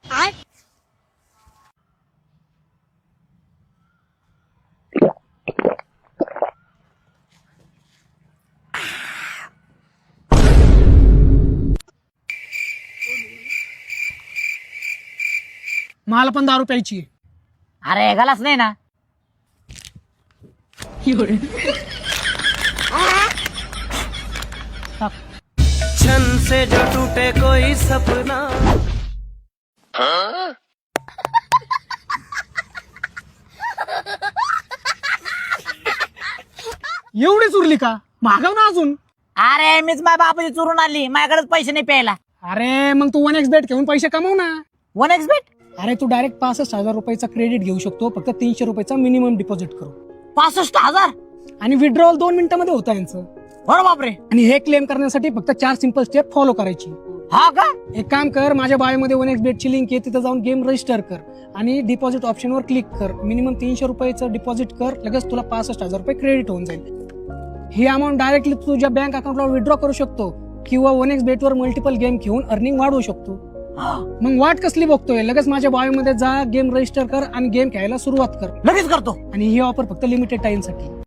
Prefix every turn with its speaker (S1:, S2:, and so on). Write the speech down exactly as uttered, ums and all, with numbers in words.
S1: मला पण दारू प्यायची.
S2: अरे गलास नाही ना.
S3: छन से जो टूटे कोई सपना.
S1: एवढीच उरली का? मागव ना अजून.
S2: अरे मीच माझ्या बापाची चुरून आणली, माझ्याकडेच पैसे नाही प्यायला.
S1: अरे मग तू वन एक्स बेट घेऊन पैसे कमव ना.
S2: One X bet.
S1: अरे तू डायरेक्ट पासष्ट हजार रुपयाचा क्रेडिट घेऊ शकतो, फक्त तीनशे रुपयाचा मिनिमम डिपॉझिट करू.
S2: पासष्ट हजार
S1: आणि विड्रॉल दोन मिनिटांमध्ये होतं यांचं.
S2: बरं बापरे.
S1: आणि हे क्लेम करण्यासाठी फक्त चार सिंपल स्टेप फॉलो करायची.
S2: हा का?
S1: एक काम कर, माझ्या बायोमध्ये वन एक्स बेटची लिंक आहे, तिथे जाऊन गेम रजिस्टर कर आणि डिपॉझिट ऑप्शनवर क्लिक कर. मिनिमम तीनशे रुपयाचं डिपॉझिट कर, लगेच तुला पासष्ट हजार रुपये क्रेडिट होऊन जाईल. ही अमाऊंट डायरेक्टली तुझ्या बँक अकाउंटला विड्रॉ करू शकतो किंवा वन एक्स बेटवर मल्टिपल गेम घेऊन अर्निंग वाढवू शकतो. मग वाट कसली बघतोय? लगेच माझ्या बायोमध्ये जा, गेम रजिस्टर कर आणि गेम खेळायला सुरुवात कर.
S2: लगेच करतो.
S1: आणि ही ऑफर फक्त लिमिटेड टाइम साठी.